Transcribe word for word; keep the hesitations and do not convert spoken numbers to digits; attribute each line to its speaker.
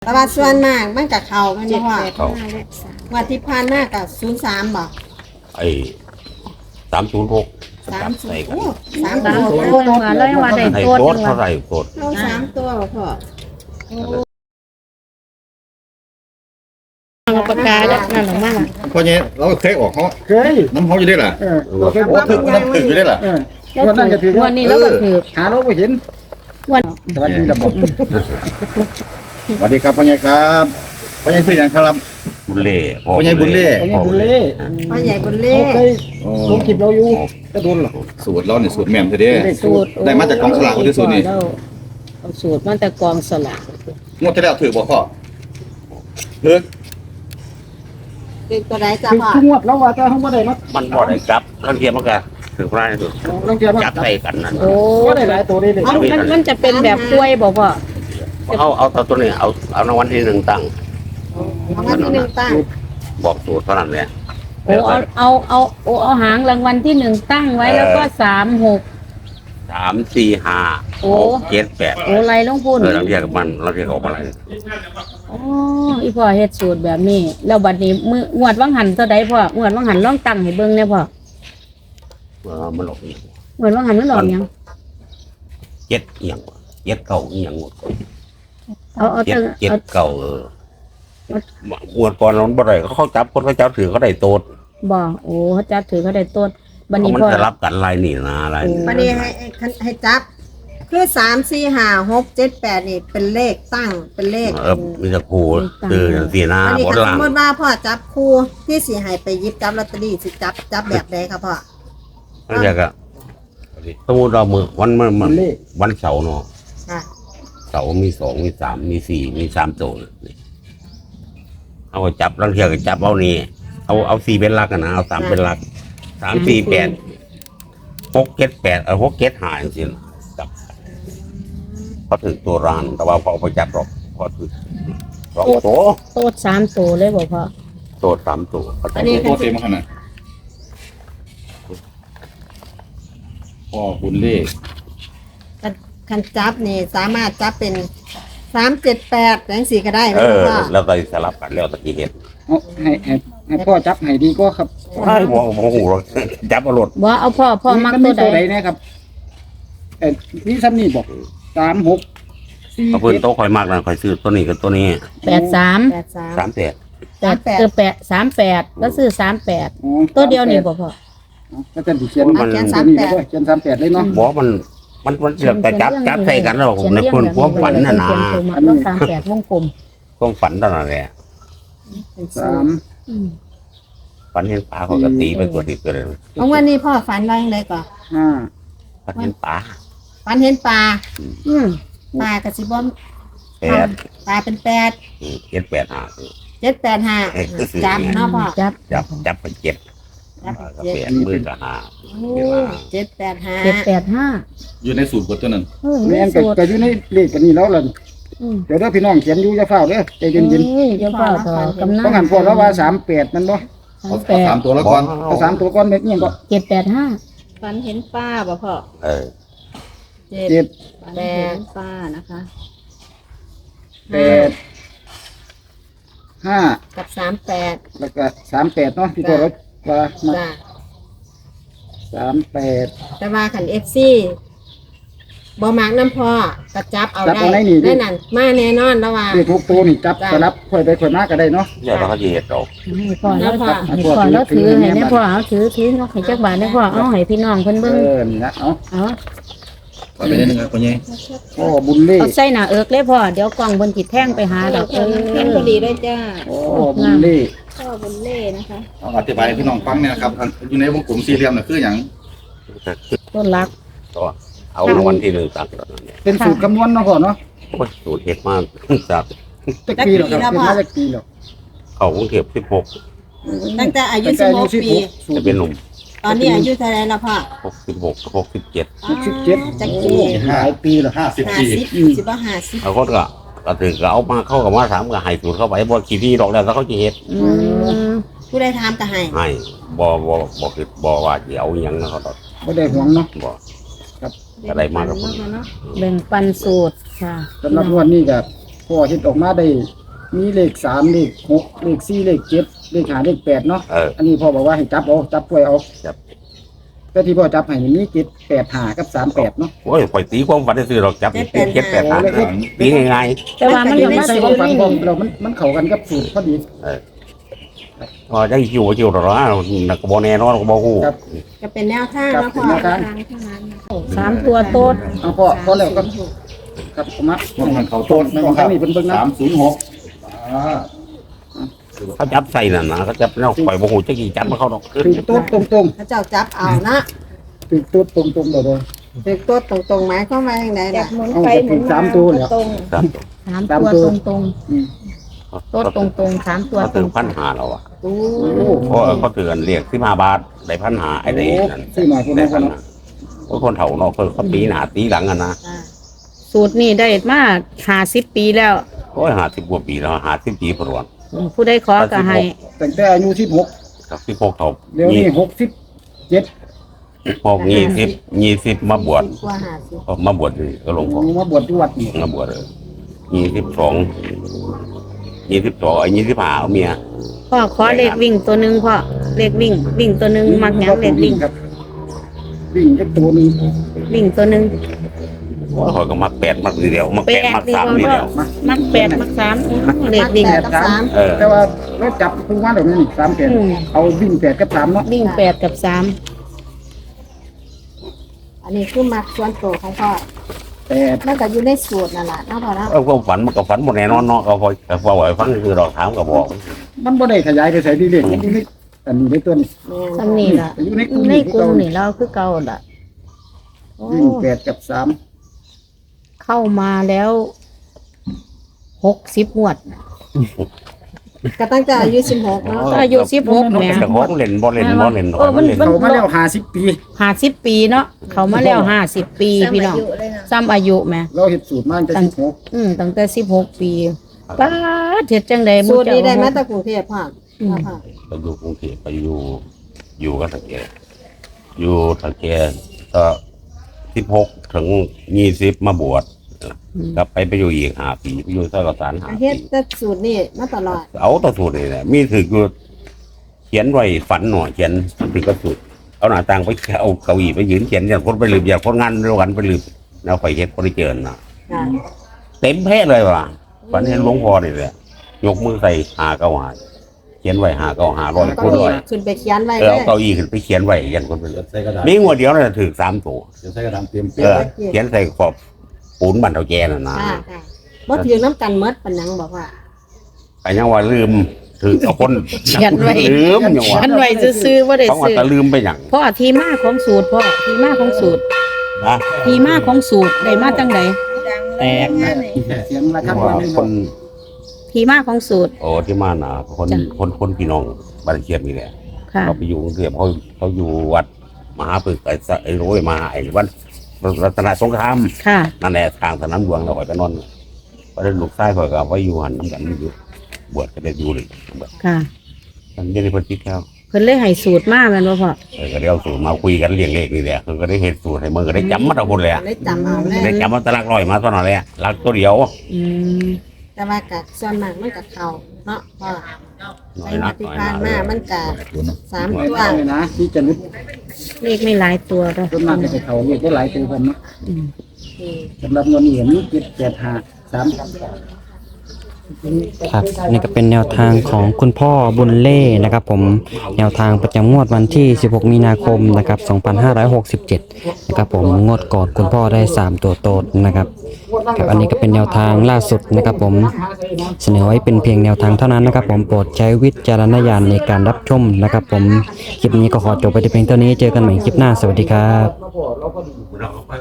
Speaker 1: แต่ว่าส่วนมากมันกับเขามัน
Speaker 2: เจ็ด
Speaker 1: ว่า
Speaker 2: แปดห้าและสาม
Speaker 1: วันที่ผ่านมากับศูนย์สามบอก
Speaker 3: ไอ้สามศูนย์หก
Speaker 1: สามศูน
Speaker 3: ใส่
Speaker 1: ย์
Speaker 3: กัน
Speaker 1: โอ้สาม
Speaker 2: สาม
Speaker 1: ตัว
Speaker 2: ตัวมาแล้วยังว่าได้
Speaker 3: ให้
Speaker 2: ตัว
Speaker 3: โต๊ด
Speaker 2: นึง
Speaker 3: เท่าไห
Speaker 2: ว่ะ
Speaker 3: ร่โต๊ด
Speaker 1: เอาสามตัวบ่พ่อ
Speaker 2: เอาปากกาแล้วนั่นหรอมาล่ะ
Speaker 4: เพราะงี้เราเคยออกเขา
Speaker 5: เคย
Speaker 4: น้ำเขาอยู่ได้ล่ะ
Speaker 5: เออเราเคย
Speaker 4: โอ้ถึงน้ำถึงอยู่ได้ล่ะ
Speaker 5: เออ
Speaker 2: แล้ว
Speaker 5: วันนั้นก็ถือ
Speaker 2: วันนี้เราก็ถือ
Speaker 5: หาเราไม่เห็น
Speaker 2: วัน
Speaker 5: สวัสดีครับผม
Speaker 4: สวัสดีครับพ่อใหญ่ครับพ่อใหญ่ชื่ออย่างครับ
Speaker 3: บุญเล่
Speaker 4: พ่อใหญ่บุญเล่
Speaker 5: ไอ้นี่บุญเล่
Speaker 1: พ่อใหญ่บุญเล่
Speaker 5: เขาเคยลงคลิปเราอยู่จะโดนหรอ
Speaker 4: สูตรเราเนี่ยสูตรแม่มเธอเด้
Speaker 2: สูตร
Speaker 4: ได้มาจากกองสลากคนที่สูตรนี่
Speaker 2: เอาสูตรมาแต่กองสลาก
Speaker 4: งวดที่แล้วถือบ่พ่อเฮ้ย
Speaker 1: เป็นตัวไหนจ้า
Speaker 5: คือ
Speaker 1: พ่อ
Speaker 5: ทุกงวดเราว่าจะทำว่าได้มา
Speaker 3: มันบ่ได้กลับลังเทียมมันก็ถือพระนี่สุด
Speaker 5: ลองเทียบว่า
Speaker 3: จับใส่กันนั่น
Speaker 2: โอ้
Speaker 5: ก็ได้หลายตัวได้เลย
Speaker 2: เอามันมันจะเป็นแบบกล้วยบ่พ่อ
Speaker 3: เอาเอาตัวนี้เอาเอารางวัลที่หนึ่งตั้ง
Speaker 1: รางวัลที่หนึ่งตั้ง
Speaker 3: บอกสูตรเท่านั้นแหละ
Speaker 2: โอ้เอาเอาเอาโอ้เอาหางรางวัลที่หนึ่งตั้งไว้แล้วก็สามหก
Speaker 3: สามสี่ห้า
Speaker 2: โอ้
Speaker 3: หกเจ็ดแปด
Speaker 2: โอ้ไรลงพูน
Speaker 3: เออลังเทียกับมันลังเทียกับอะไร
Speaker 2: อ๋ออีพ่อเฮ็ดสูตรแบบนี้แล้วบัดนี้มืองวดวังหันเท่าใดพ่องวดวังหันลองตั้งให้เบิ่งแน่พ่อ
Speaker 3: เออมันหลอกอีก
Speaker 2: งวดวังหันมันหลอกหยัง
Speaker 3: เจ็ดเอียงเจ็ดเก่าเอียงหมด
Speaker 2: เอาเอา
Speaker 3: เจ็ด
Speaker 2: ตั้ง
Speaker 3: เจ็ด
Speaker 2: เอา
Speaker 3: เก่าเออหวดก่อนเราบ่ได้เขาจับคนเขาจับถือเขาได้โต๊ด
Speaker 2: บ่โอ้เขาจับถือเขาได้ต้นบัด
Speaker 3: เพ
Speaker 2: นี้
Speaker 3: ราะมัน
Speaker 2: พ่อ
Speaker 3: จะรับกันลายนี่นะลายนี่
Speaker 1: วันนี้ให้ให้ให้จับ คือสามสี่ห้าหกเจ็ดแปดนี่เป็นเลขตั้งเป็นเลข
Speaker 3: เออมีตะครูตื่นสีหน้า
Speaker 1: อันนี้
Speaker 3: บน
Speaker 1: ถ้า
Speaker 3: ห
Speaker 1: ส
Speaker 3: ลั
Speaker 1: ม
Speaker 3: ง
Speaker 1: มติว่าพ่อจับคู่ที่สีให้ไปหยิบจับลอตเตอรี่สิจับจับแบบใดครับพ่อ
Speaker 3: นั่นแหละก็สมมติเรามือวันมันมัน
Speaker 5: เล่
Speaker 3: วันเสาร์เนาะ
Speaker 1: ค่ะ
Speaker 3: เสาร์มีสองมีสามมีสี่มีสามตัวนี่เอาจับลังเทียก็จับเอานี่เอาเอาสี่เป็นหลักกันนะเอาสามเป็นหลักสามสี่แปดหกเจ็ดแปดเอาหกเจ็ดหายจริงๆจับพอถึงตัวรานแต่ว่าพอไปจับหรอกพอถึงสองตัว
Speaker 2: โต๊ดสามตัวเลยบ่พ่อ
Speaker 3: ตัวสามตัวเขาจับ
Speaker 4: โคตรเต็มขนาดพ่อบุญเล่
Speaker 1: คันจับนี่สามารถจับเป็นสามเจ็ดแปดแรงสีก็ได้ไหม
Speaker 3: เออ
Speaker 1: พ่อ
Speaker 3: แล้วก็สลับกันแล้วตะกี้เห็น
Speaker 5: เอาให้ให้ให้พ่อจับให้ดีก็ครับ
Speaker 3: ไอ้โมโมโหเราจับเอารถ
Speaker 2: บ่เอาพ่อพ่อมัก
Speaker 5: มี
Speaker 2: ตัวใด
Speaker 5: ตัวใดนะครับเออนี่ซ้ำนี่บอกสามหกสี่
Speaker 3: เอาเพิ่น
Speaker 5: เจ็ด
Speaker 3: โต๊ะคอยมากนะคอยซื้อตัวนี้กับตัวนี้
Speaker 2: แปดสาม
Speaker 1: แปดสาม
Speaker 3: สามแปด
Speaker 2: แปดเออแปดสามแปดแล้วซื้อสามแปด
Speaker 5: อ๋อ
Speaker 2: ตัวเดียวนี่บ่พ่อ
Speaker 5: ก็จะเขียน
Speaker 1: เอาเขียนสาม
Speaker 5: นี่
Speaker 1: แปด
Speaker 5: ด้วยเขียนสามแปดเลยเนาะ
Speaker 3: บอกมันมันมันเสียแต่จับจับใส่กันแล้วผมในคนความฝันน่ะนะ
Speaker 2: เขียนตัวมาแล้วสามแปดวงกลม
Speaker 3: ความฝันตอนนั้นแหละ
Speaker 5: สาม
Speaker 2: อืม
Speaker 3: ฝันเห็นปลาเขาก็ตีไปตัวติดตัวเลย
Speaker 1: เอาวันนี้พ่อฝันว่าอย่างไรก่อน
Speaker 5: ห้า
Speaker 3: ฝันเห็นปลา
Speaker 1: ฝันเห็นปลา
Speaker 2: อืม
Speaker 1: ปลากระสิบอม
Speaker 3: แปด
Speaker 1: ปลาเป็นแปด
Speaker 3: เจ็ดแปดห้า
Speaker 1: เจ็ดแปดห้าจับเนาะพ่อ
Speaker 2: จับ
Speaker 3: จับจับไปเจ็ด
Speaker 1: จับ
Speaker 3: ปลาก็
Speaker 1: เจ็ด
Speaker 3: แปดมือก็ห้า
Speaker 1: โอ้เจ็ดแปดห้า
Speaker 2: เจ็ดแปดห้า
Speaker 4: อยู่ในสูตรบทตัวนั้น
Speaker 2: เออ
Speaker 5: แม่นก็
Speaker 2: สูตร
Speaker 5: ก็อยู่ในเลขกันนี่แล้วล่ะ
Speaker 2: อืม
Speaker 5: เดี๋ยวเด้อพี่น้องเขียนอยู่จะเฝ้าเด้อใจเย็น
Speaker 2: เอ้ยเดี๋ยวพ่อต่อกำนั
Speaker 5: ๆต้องหันพวกแล้วว่าสามแปดมันบ่
Speaker 2: สา
Speaker 4: เอา
Speaker 2: มแป
Speaker 4: เอา
Speaker 2: ด
Speaker 4: สามตัวแล้วก่อน
Speaker 5: เอาสามตัวก้อนเม็ดเนี่ยก็
Speaker 2: เจ็ดแปดห้า
Speaker 6: ฝันเห็นป้าบ่พ่อ
Speaker 3: เออ
Speaker 6: เจ็ด
Speaker 5: เจ็ด
Speaker 6: ฝันเห็นป้านะคะ
Speaker 5: แปดห้า
Speaker 1: กับสามแปด
Speaker 5: แล้วก็สามแปดเนาะที่ตัวเราว่ามา
Speaker 1: จ้ะ
Speaker 5: สามแปด
Speaker 1: แต่ว่าขันเอฟซีบอมากน้ำพ่อกระจับเอาได้ได้นั่นมาแน่นอนแล้วว่า
Speaker 5: เลขทุกตัวนี่จับสลับค่อยไปค่อยมาก็ได้เนาะ
Speaker 3: เดี๋ยวเราก็จะเห็นดอก
Speaker 2: ให้พ่อแล้วให้พ่อแล้วถือให้ได้พ่อเอาถือถือเอาให้จักบาทได้พ่อเอาให้พี่น้องเพิ่น
Speaker 5: เอ
Speaker 2: เบิ่ง
Speaker 5: อนี่นะเอา
Speaker 2: เอา
Speaker 4: ขอไปนิดนึงครับพ่อใหญ่
Speaker 5: พ่อบุญเล่
Speaker 2: เอาใส่หน้าเอิกเลยพ่อเดี๋ยวกล่องบนจิตแท่งไปหาดอกเอ
Speaker 6: เขียน
Speaker 2: อ
Speaker 6: พอดีด้วยจ้า
Speaker 5: พ่อบุญเล่
Speaker 6: พ่อบุญเล่นะคะ
Speaker 4: เอาอธิบายให้พี่น้องฟังเนี่ยนะครับอยู่ในวงกลมสี่เหลี่ยมน่ะคืออย่าง
Speaker 2: ต้นรัก
Speaker 3: ตัวเอารางวัลที่หนึ่งตัดตอนนั้นเนี่ย
Speaker 5: เป็นสูตรคำนวณเนาะพ่อเนาะ
Speaker 3: โอ้ยสูตรเห็ดมากจาก
Speaker 5: จักปีหรอกครับเป็นมาจักปีหรอก
Speaker 3: เขากรุงเทพสิบหก
Speaker 1: ตั้งแต่อายุสิบหกปี
Speaker 3: จะเป็นหนุ่ม
Speaker 1: ตอนนี้อายุเท่าไหรแล้วพ่อ
Speaker 3: หกสิบหกหกสิบเจ็ด
Speaker 5: หกสิบเจ็ด
Speaker 1: จัก
Speaker 5: โอ้
Speaker 1: ปี
Speaker 5: หลายปีแล้ว
Speaker 4: ห้าสิบ
Speaker 1: ห้า
Speaker 4: ปี
Speaker 1: สิบสิบว่าห้าสิบ
Speaker 3: เขาก็ก็ถึงก็เอามาเข้ากับมาถามกับไห้สูตรเข้าไปบ่กี่ที่ดอกแล้วเขาจะเห็ด
Speaker 2: อืม
Speaker 1: ผู้ใดถามก็ให้
Speaker 3: ให้บ่บ่บ่คิดบ่ว่าจะเอาอหยังนะเขาดอก
Speaker 5: ไม่ได้ห่วงเนาะ
Speaker 3: บ่ก็ได้มากกับผม
Speaker 6: เนาะ
Speaker 2: แบ่งปันสูตรค่ะ
Speaker 5: สำหรับวันนี้ก็พพ่อเฮ็ดออกมาได้มีเลขสามเลขหกเลขสี่เลขเจ็ดเลขห้าเลขแปดเนาะ
Speaker 3: เออ
Speaker 5: อันนี้พ่อบอกว่าให้จับเอาจับป่วยเอา
Speaker 3: จับ
Speaker 5: แต่ที่พ่อจับให้นี่มีเจ็ดแปดห้ากับสามแปดเนาะ
Speaker 3: โอ้ยปล่อยตีความฝันได้ซื้อหรอกจับเจ็ดเจ็ดแปดหาตีง่าย
Speaker 2: แต่ว่ามัน
Speaker 5: อ
Speaker 2: ก็
Speaker 5: ยู่ใน
Speaker 2: มา
Speaker 5: ใส่
Speaker 2: สู
Speaker 5: ความ
Speaker 2: ตร
Speaker 5: ฝัน
Speaker 2: นี่
Speaker 5: ผมเรามันมันเข้ากันกับสูตรพอดี
Speaker 3: ๆเออพอได้คิวคิวหรอนักบอแน่นอนก็บอฮู้
Speaker 5: ครับ
Speaker 1: ก็เป็นแนวทาง
Speaker 5: ครับ
Speaker 1: เนาะ
Speaker 5: เป็
Speaker 1: พ่
Speaker 5: น
Speaker 1: อ
Speaker 5: แนวทาง
Speaker 2: สามตัวโต๊ด
Speaker 5: เอาพ่อพอแล้วครับครับผมมา
Speaker 4: พวกมันเขา
Speaker 5: โต
Speaker 4: ต้น
Speaker 5: ในของทางนี้เพิ่นเบิ่งนะ
Speaker 4: สามศูนย์หกอ่า
Speaker 3: เขาจับใส่น่ะนะเขาจับแล้วปล่อยบอฮู้จะกี่จับมาเขาดอก
Speaker 5: ถึงตัวตรง
Speaker 1: พระเจ้าจับเอานะ
Speaker 5: ๆถึงตัวตรงๆเลย
Speaker 1: ถึงตัวตรงๆหมายความว่าอย่างไร
Speaker 6: อยา
Speaker 1: ล่ะ
Speaker 6: กหมุน
Speaker 5: เอา
Speaker 6: ไป
Speaker 5: แต่
Speaker 6: หมุ
Speaker 5: ถึ
Speaker 6: น
Speaker 5: ง
Speaker 6: มา
Speaker 5: สามตัวแล้ว
Speaker 6: ตรง
Speaker 3: ครับ
Speaker 2: สาม
Speaker 5: สาม
Speaker 2: ตัว
Speaker 5: ตัว
Speaker 2: ตรง
Speaker 5: อืม
Speaker 2: ๆโต๊ดตรงๆสามตัว
Speaker 3: เขา
Speaker 2: ตร
Speaker 3: ถึง
Speaker 2: ง
Speaker 3: พันหาเราอ่ะ
Speaker 1: โอ้
Speaker 5: โอ้
Speaker 3: เพราะเขาถือกันเรียกสิบห้าบาทได้พันหาไอ้นี่นั่น
Speaker 5: ซื้อมาคน
Speaker 3: ได้
Speaker 5: นั้นค
Speaker 3: พั
Speaker 5: น
Speaker 3: น
Speaker 5: นั้น
Speaker 3: หาโอ้ยคนเฒ่าเนาะเขาตีหนาตีหลังกันนะ
Speaker 1: อ่า
Speaker 2: สูตรนี่ได้มาห้าสิบปีแล้ว
Speaker 3: โอ้ยหาสิบกว่าปีแล้วหาสิบปีพรวน
Speaker 2: ผู้ได้ขอก็ให้
Speaker 5: ตั้งแต่อายุสิบหก
Speaker 3: กับสิบหกเฒ่า
Speaker 5: เดี๋ยวนี้หกสิบเจ็ด
Speaker 3: พวกยี่สิบยี่สิบมาบวช
Speaker 1: สิกว่าห้าสิบ
Speaker 3: มาบวชนี่ก็หลวงพ่อ
Speaker 5: มาบวชที่วัดนี่
Speaker 3: มาบวชเลยยี่สิบสองยี่สิบสองไอ้ยี่สิบห้าเอาเมีย
Speaker 2: พ่อขอเลขวิ่งตัวหนึ่งพ่อเลขวิ่ง วิ่งตัวหนึ่งมักหยังเลขวิ่ง
Speaker 5: ครับวิ่งแค่ตัวหนึง
Speaker 2: วิ่งตัวหนึ่ง
Speaker 3: ว่าเขาก็มักแปดมักนี่เดียวมัก
Speaker 2: แป
Speaker 3: แปด
Speaker 2: ด
Speaker 3: มัก
Speaker 2: ดี
Speaker 3: สาม
Speaker 2: กว่า
Speaker 3: นี่
Speaker 2: พ่อ
Speaker 3: เดียว
Speaker 2: มักแปดมักสามเลขวิ่ง
Speaker 1: แปดกับสาม
Speaker 3: เออ
Speaker 5: แต่ว่าเราจับทุกวันเดี๋ยวนี้สามแปด
Speaker 2: อืม
Speaker 5: เอาวิ่งแปดกับสามเนาะ
Speaker 2: วิ่งแปดกับสาม
Speaker 1: อันนี้คือมักส่วนตัวของพ่อ
Speaker 5: แปด
Speaker 1: มันก็อยู่ในสูตรนั่นแหละเนาะพ่อเนาะ
Speaker 3: เออความฝันมันก็ฝันหมดแน่นอนเนาะเขาคอยแต่พอไหวฟังคือเราถามก็บอก
Speaker 5: มันบ่ได้ขยายไปใส่ดีเด็กอยู่ในอันนี้ในตัวนี้
Speaker 1: แม่น
Speaker 2: ซ้ำนี่ล่ะ
Speaker 5: อยู่ในกลุ่ม
Speaker 2: ใน
Speaker 5: นี้
Speaker 2: กลุ่มนี่เราคือเก่าล่ะโอ้
Speaker 5: วิ่งแปดกับสาม
Speaker 2: เข้ามาแล้วหกสิบงวด
Speaker 1: ก็ตั้งแต่อายุสิบหกเนาะ
Speaker 2: ก็อายุสิบหกแหม
Speaker 3: แต่ของเล่นบ่เล่นบ่เล่น
Speaker 2: เออมัน
Speaker 3: เล่น
Speaker 2: มัน
Speaker 5: เขามาแล้วห้าสิบปี
Speaker 2: ห้าสิบปีเนาะเขามาแล้วห้าสิบปีพี่น้อง
Speaker 6: สมัยอยู่เลยนะ
Speaker 2: ซ้ำอายุแหม
Speaker 5: เราเห็ดสูตรมาตั้งแต่สิบหก
Speaker 2: อืมตั้งแต่สิบหกปีป้าดเฮ็ดจังได๋
Speaker 1: สูตรนี้ได้มาจากกรุงเทพพ่อพ่อพ่อ
Speaker 3: ไปอยู่กรุงเทพไปอยู่อยู่กับตะแกอยู่ตะแกก็สิบหกถึงยี่สิบมาบวชกลับไปไปอยู่อีกห้าปีไปอยู่สระสารห้า
Speaker 1: อา
Speaker 3: ปี
Speaker 1: เฮ็ดแต่สูตรนี้มาตลอด
Speaker 3: เอาแตัวสูตรนี่แหละมีถืออยู่เขียนไว้ฝันหน่อยเขียนถือก็สูตรเอาหน้าต่างไปเอาเก้าอี้ไปยืนเขียนอย่างคนไปลืมอย่างคนงานเดียวกันไปลืมแล้วไฟเฮ็ดคนได้เจอนะ
Speaker 1: ค่ะ
Speaker 3: เต็มแพ้เลยว่ะฝันเห็นหลวงพ่อนี่แหละยกมือใส่หาเก้าหาเขียนไว้หาเก้าหาร้อย
Speaker 1: ก็
Speaker 3: คน
Speaker 1: มี
Speaker 3: ร้อย
Speaker 1: ขึ้นไปเขียนไว้
Speaker 3: เอ
Speaker 1: เล
Speaker 3: อเอา
Speaker 1: ย
Speaker 3: เก้าอี้ขึ้นไปเขียนไว้ยันคนไปเลย
Speaker 4: ใส่กระดาษ
Speaker 3: มีงวดเดียวน่ะถือสามตัว
Speaker 4: เดี๋ยวใส่กระดาษเตรียมเปี
Speaker 3: เอย
Speaker 4: ก
Speaker 3: อเขียนใส่ขอบปูนบันเทาแกน่ะนะ
Speaker 1: ค่ะค่ะบ่ถือน้ำกันเมดปานหยังบอกว่า
Speaker 3: ไปยังว่าลืมถือเอาคน
Speaker 2: เขียนไว้
Speaker 3: ลืมอย่างว่า
Speaker 2: อันไว้ซื่อๆบ่ได้
Speaker 3: เขาว่า
Speaker 2: ซื้อ
Speaker 3: แต่ลืมไปอย่าง
Speaker 2: พ่อที่มาของสูตรพ่อที่มาของสูตร
Speaker 3: นะ
Speaker 2: ที่มาของสูตรได้มาจังได
Speaker 6: ดังเลยงานนี้
Speaker 5: เสียงระฆัง
Speaker 3: ว่า
Speaker 5: วันนี้
Speaker 3: คน
Speaker 2: ที่มาของสูตร
Speaker 3: โอ้ที่มาน่ะคน
Speaker 2: จ้ะ
Speaker 3: คนคนพี่น้องบ้านเชียงนี่แหละ
Speaker 2: ค่ะ
Speaker 3: เขาไปอยู่กรุงเทพเขาเขาอยู่วัดมหาปึกไอ้สะไอ้โรยมาไอ้วัดรัตนสงคราม
Speaker 2: ค่ะ
Speaker 3: นั่นแหละทางสนามหลวงเราไปนอนพอได้ลูกชายเขาก็เอาไว้อยู่หันน้ำกันอยู่บวชก็ได้อยู่เลย
Speaker 2: ค่ะ
Speaker 3: มันไม่ได้เพิ่นติดแล้ว
Speaker 2: เพิ่นเลยให้สูตรมาแม่นบ่พ่อ
Speaker 3: เออก็ได้เอาสูตรมาคุยกันเรียงเลขนี่แหละคือก็ได้เห็นสูตรให้มือก็ได้จำมาทุกคนเลยอะ
Speaker 1: ได้จำเอาเลย
Speaker 3: ได้จำมาตะลักร้อยมาตอนนั้นเลยอะลักตัวเดียว
Speaker 2: อืม
Speaker 1: แต่ว่ากัส่วนมากมันกับเขาเนาะพ่อ
Speaker 3: น้อ
Speaker 1: ใน
Speaker 3: ยนั
Speaker 1: วั
Speaker 3: ก
Speaker 1: ที่
Speaker 3: น้อย
Speaker 1: ผ่า
Speaker 3: นั
Speaker 1: น
Speaker 3: ก
Speaker 1: มามันกะสามตัว
Speaker 5: เลยนะที่จะรุด
Speaker 2: เลขไม่หลายตัวเด้อ
Speaker 5: ต้นมากจะเขาเรียกได้หลายตัวผมเนาะ
Speaker 2: อืม
Speaker 1: อืม
Speaker 5: สำหรับเงินนี่เห็นมีเจ็ดแปดห้าสาม
Speaker 7: ครับนี่ก็เป็นแนวทางของคุณพ่อบุญเล่นะครับผมแนวทางประจำงวดวันที่สิบหกมีนาคมนะครับสองพันห้าร้อยหกสิบเจ็ดนะครับผมงวดก่อนคุณพ่อได้สามตัวโตดนะครับครับอันนี้ก็เป็นแนวทางล่าสุดนะครับผมเสนอไว้เป็นเพียงแนวทางเท่านั้นนะครับผมโปรดใช้วิจารณญาณในการรับชมนะครับผมคลิปนี้ก็ขอจบไปแต่เพียงเท่านี้เจอกันใหม่คลิปหน้าสวัสดีครับ